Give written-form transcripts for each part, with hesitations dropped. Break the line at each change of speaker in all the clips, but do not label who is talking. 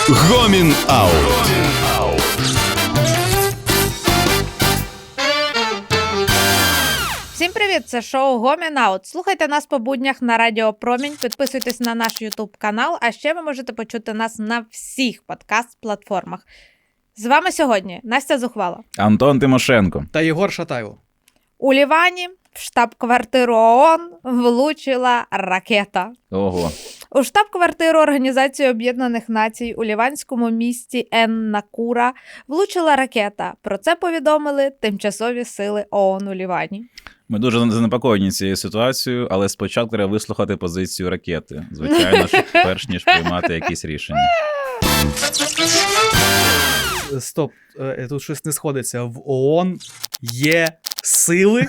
Гомін Аут.
Всім привіт, це шоу Гомін Аут. Слухайте нас по буднях на Радіо Промінь, підписуйтесь на наш YouTube канал, а ще ви можете почути нас на всіх подкаст-платформах. З вами сьогодні Настя Зухвала,
Антон Тимошенко
та Єгор Шатайло.
У Лівані в штаб-квартиру ООН влучила ракета.
Ого.
У штаб-квартиру Організації Об'єднаних Націй у ліванському місті Ен-Накура влучила ракета. Про це повідомили тимчасові сили ООН у Лівані.
Ми дуже занепокоєні цією ситуацією, але спочатку треба вислухати позицію ракети. Звичайно ж, перш ніж приймати якісь рішення.
Стоп, тут щось не сходиться. В ООН є сили?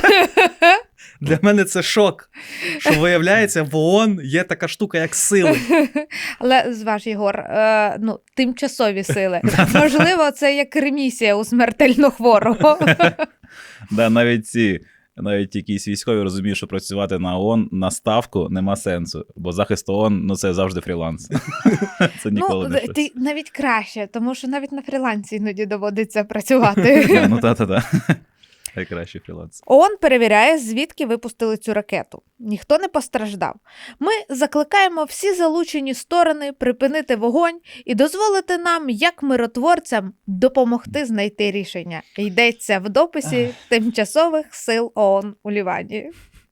Для мене це шок, що виявляється, в ООН є така штука, як сили.
Але, зваж, Єгор, тимчасові сили. Можливо, це як ремісія у смертельно хворого.
Да, навіть якісь військові розуміють, що працювати на ООН на ставку нема сенсу, бо захист ООН, це завжди фріланс. Це ніколи не щось.
Навіть краще, тому що навіть на фрілансі іноді доводиться працювати.
Ну та. Найкращий фріланс.
ООН перевіряє, звідки випустили цю ракету. Ніхто не постраждав. Ми закликаємо всі залучені сторони припинити вогонь і дозволити нам, як миротворцям, допомогти знайти рішення. Йдеться в дописі тимчасових сил ООН у Лівані.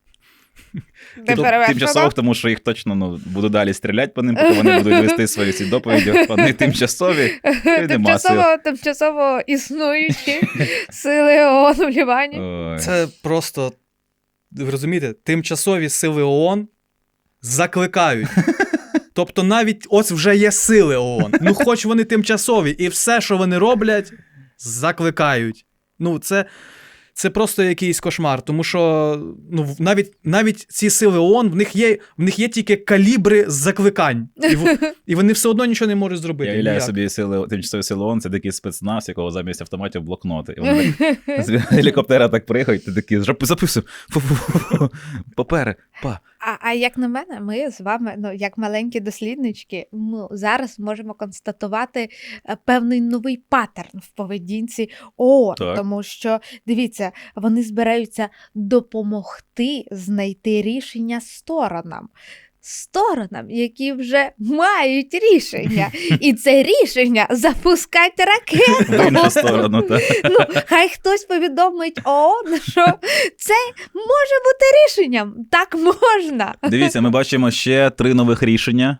Тимчасових, тому що їх точно буду далі стріляти по ним, поки вони будуть вести свої ці доповіді. Вони тимчасові, і нема сил.
Тимчасово існуючі сили ООН у Лівані.
Ой.
Це просто, ви розумієте, тимчасові сили ООН закликають. Тобто навіть ось вже є сили ООН. Ну хоч вони тимчасові, і все, що вони роблять, закликають. Ну це просто якийсь кошмар, тому що навіть ці сили ООН, в них є тільки калібри закликань, і вони все одно нічого не можуть зробити.
Я уявляю собі тимчасові сили ООН, це такий спецназ, якого замість автоматів блокноти. І вони з гелікоптера так приїхають, ти такий, записуй, папери, па.
А як на мене, ми з вами, як маленькі досліднички, зараз можемо констатувати певний новий паттерн в поведінці ООН.
Так.
Тому що, дивіться, вони збираються допомогти знайти рішення сторонам, які вже мають рішення. І це рішення запускати ракету.
В іншу сторону, так.
Хай хтось повідомить ООН, що це може бути рішенням. Так можна.
Дивіться, ми бачимо ще 3 нових рішення,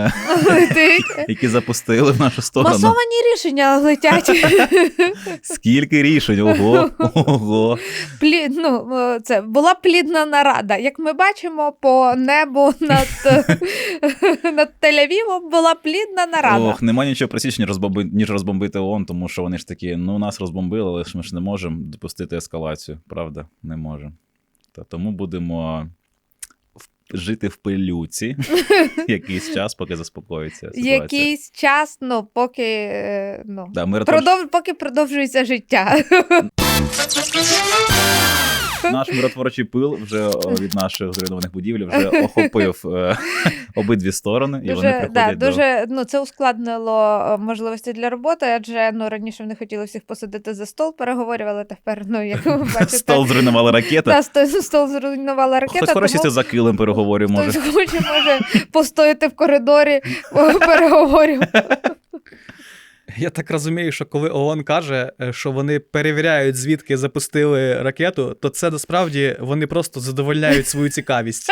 які запустили в нашу сторону.
Масовані рішення летять.
Скільки рішень? Ого.
Це була плідна нарада. Як ми бачимо, по небу над Тель-Авівом була плідна нарада.
Ох, нема нічого простіше, ніж розбомбити ООН, тому що вони ж такі, нас розбомбили, але ж ми ж не можемо допустити ескалацію. Правда? Не можемо. Тому будемо жити в пилюці якийсь час, поки заспокоїться ситуація.
Якийсь час, поки поки продовжується життя.
Наш миротворчий пил вже від наших зруйнованих будівель вже охопив обидві сторони, і вони приходять
це ускладнило можливості для роботи, адже раніше вони хотіли всіх посадити за стол, переговорювали, тепер, як ви бачите...
Стол зруйнувала ракета.
Стол зруйнувала ракета.
Хтось хорошо сісти за килим переговорів може.
Хтось може постояти в коридорі переговорів.
Я так розумію, що коли ООН каже, що вони перевіряють, звідки запустили ракету, то це насправді вони просто задовольняють свою цікавість.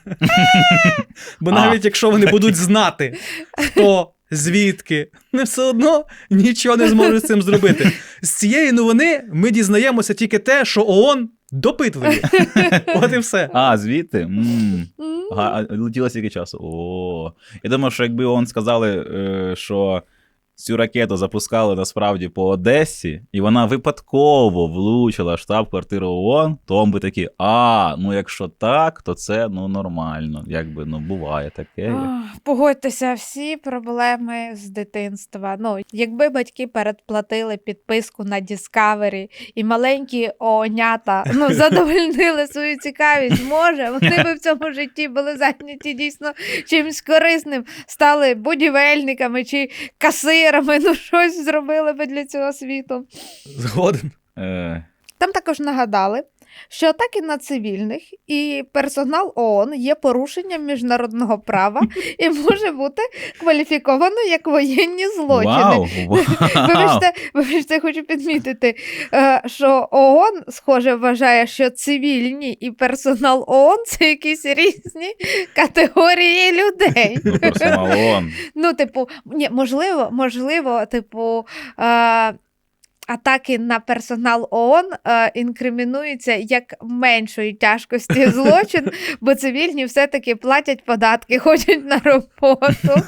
Бо навіть якщо вони будуть знати, хто, звідки, вони все одно нічого не зможуть з цим зробити. З цієї новини ми дізнаємося тільки те, що ООН допитливі. От і все.
Звідти? Летіло стільки часу. Я думаю, що якби ООН сказали, що цю ракету запускали насправді по Одесі, і вона випадково влучила штаб-квартиру ООН, то ми такі, ну якщо так, то це нормально. Якби, буває таке.
Погодьтеся, всі проблеми з дитинства. Якби батьки передплатили підписку на Discovery і маленькі оонята задовольнили свою цікавість, може, вони би в цьому житті були зайняті дійсно чимось корисним, стали будівельниками чи касирами, щось зробили би для цього світу.
Згоден.
Там також нагадали, що атаки на цивільних і персонал ООН є порушенням міжнародного права і може бути кваліфіковано як воєнні злочини.
Вау!
Вибачте, хочу підмітити, що ООН, схоже, вважає, що цивільні і персонал ООН – це якісь різні категорії людей.
Персонал ООН.
Можливо, атаки на персонал ООН інкримінуються як меншої тяжкості злочин, бо цивільні все-таки платять податки, ходять на роботу.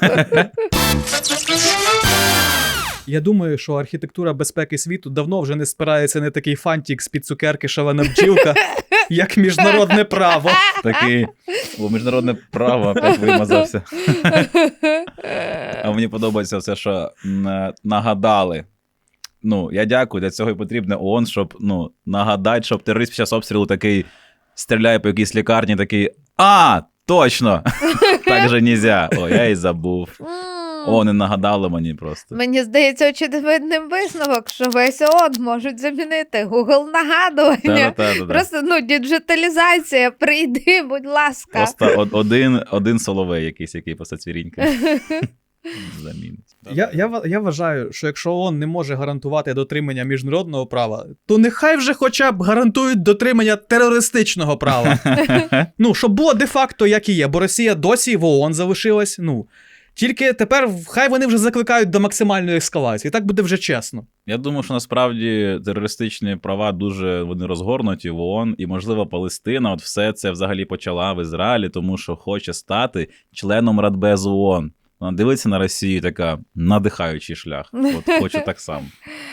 Я думаю, що архітектура безпеки світу давно вже не спирається на такий фантик з-під цукерки шалена бджілка, як міжнародне право.
Такий, міжнародне право опять вимазався. А мені подобається все, що нагадали. Я дякую, для цього і потрібно ООН, щоб, нагадати, щоб терорист під час обстрілу такий стріляє по якійсь лікарні, такий, точно, так же нельзя. Я і забув. Не нагадали мені просто.
Мені здається, очевидним висновок, що весь ООН можуть замінити Google нагадування. Просто, діджиталізація, прийди, будь ласка.
Просто один Соловей якийсь, який просто цвірінька. Замінить.
Я вважаю, що якщо ООН не може гарантувати дотримання міжнародного права, то нехай вже хоча б гарантують дотримання терористичного права. Щоб було де-факто як і є, бо Росія досі в ООН залишилась. Тільки тепер хай вони вже закликають до максимальної ескалації. Так буде вже чесно.
Я думаю, що насправді терористичні права дуже вони розгорнуті в ООН, і, можливо, Палестина все це взагалі почала в Ізраїлі, тому що хоче стати членом Радбезу ООН. Вона дивиться на Росію, така надихаючий шлях. Хочу так само.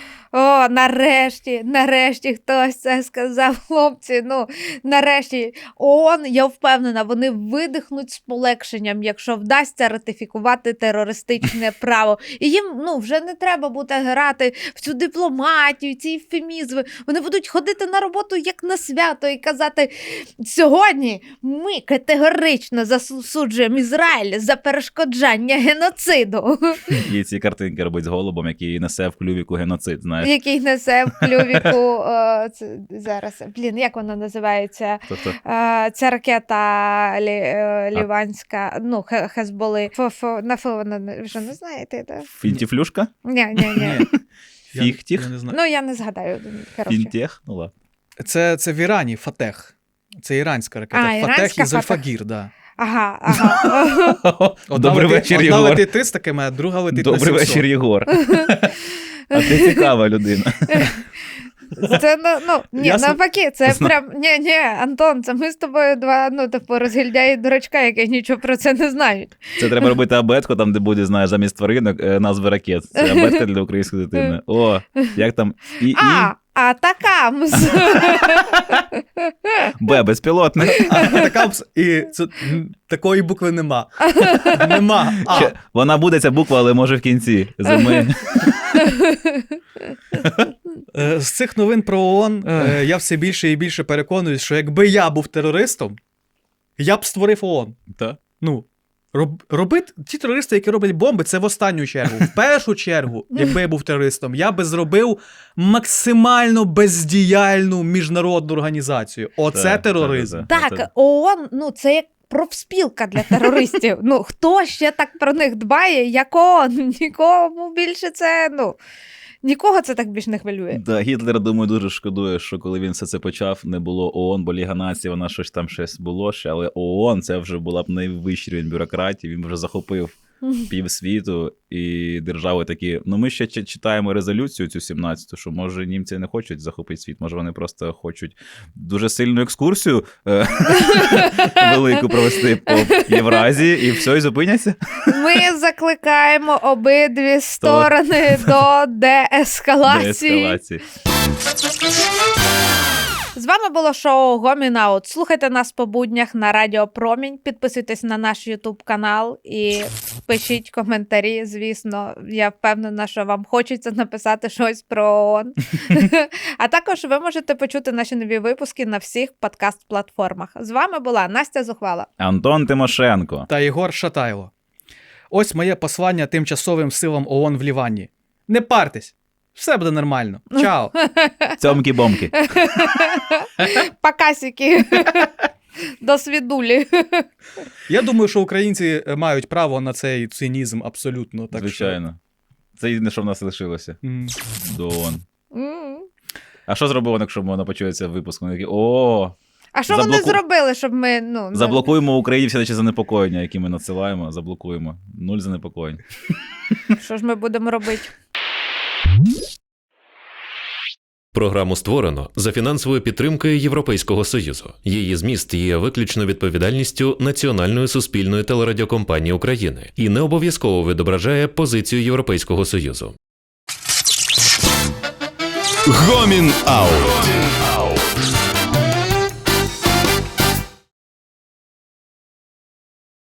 Нарешті хтось це сказав, хлопці. Нарешті ООН, я впевнена, вони видихнуть з полегшенням, якщо вдасться ратифікувати терористичне право. І їм, вже не треба буде грати в цю дипломатію, ці ефемізми. Вони будуть ходити на роботу як на свято і казати, сьогодні ми категорично засуджуємо Ізраїль за перешкоджання геноциду.
І ці картинки робить з голубом, який несе в клювіку геноцид, знаєш.
Який несе в клювіку зараз. Як вона називається? Ця ракета ліванська, Хезболи. На Фу вона, вже не знаєте? Да?
Фінтіфлюшка?
Ні.
Фіхтіх?
Я не знаю.
Я не згадаю.
Фінтех? Ладно.
Це в Ірані Фатех. Це іранська ракета. Фатех і Зольфагір, да.
Ага.
Добрий вечір, Єгор.
Одна летить 300 км, а друга летить на 700.
Добрий вечір, Єгор. А ти цікава людина.
Це, навпаки, це прям, Антон, це ми з тобою два, розгільдяї дурачка, які нічого про це не знають.
Це треба робити абетку, там, де буде, знаєш, замість тваринок назви ракет. Це абетка для української дитини. Як там?
Атакамс.
Б, безпілотник.
Атакамс, і такої букви нема. Нема.
Вона буде, ця буква, але може в кінці зими.
З цих новин про ООН я все більше і більше переконуюсь, що якби я був терористом, я б створив ООН.
Так.
Робити ті терористи, які роблять бомби, це в останню чергу. В першу чергу, якби я був терористом, я би зробив максимально бездіяльну міжнародну організацію. Оце тероризм.
Так, ООН, це як профспілка для терористів. Хто ще так про них дбає, як ООН? Нікому більше це, нікого це так більше не хвилює.
Да, Гітлер, думаю, дуже шкодує, що коли він все це почав, не було ООН, бо Ліга Націй, вона щось було ще, але ООН, це вже була б найвищий рівень бюрократії, він вже захопив півсвіту, і держави такі, ну ми ще читаємо резолюцію цю 17-ту, що може німці не хочуть захопити світ, може вони просто хочуть дуже сильну екскурсію велику провести по Євразії, і все, і зупиняться.
Ми закликаємо обидві сторони до деескалації.
Деескалації.
З вами було шоу Гомін Аут. Слухайте нас по буднях на Радіо Промінь, підписуйтесь на наш YouTube канал і пишіть коментарі, звісно. Я впевнена, що вам хочеться написати щось про ООН. А також ви можете почути наші нові випуски на всіх подкаст-платформах. З вами була Настя Зухвала.
Антон Тимошенко.
Та Єгор Шатайло. Ось моє послання тимчасовим силам ООН в Лівані. Не партесь! Все буде нормально. Чао.
Цьомкі-бомки.
Покасики. До свідулі.
Я думаю, що українці мають право на цей цинізм абсолютно. Так
Звичайно. Це єдине, що в нас лишилося. До ООН.
М.
А що зробив, якщо вона почується випуск? Вони такі, о,
А що вони зробили, щоб ми...
заблокуємо Україні всі наші занепокоєння, які ми надсилаємо, заблокуємо. 0 занепокоєнь.
Що ж ми будемо робити?
Програму створено за фінансовою підтримкою Європейського Союзу. Її зміст є виключно відповідальністю Національної суспільної телерадіокомпанії України і не обов'язково відображає позицію Європейського Союзу.
Гомін Аут.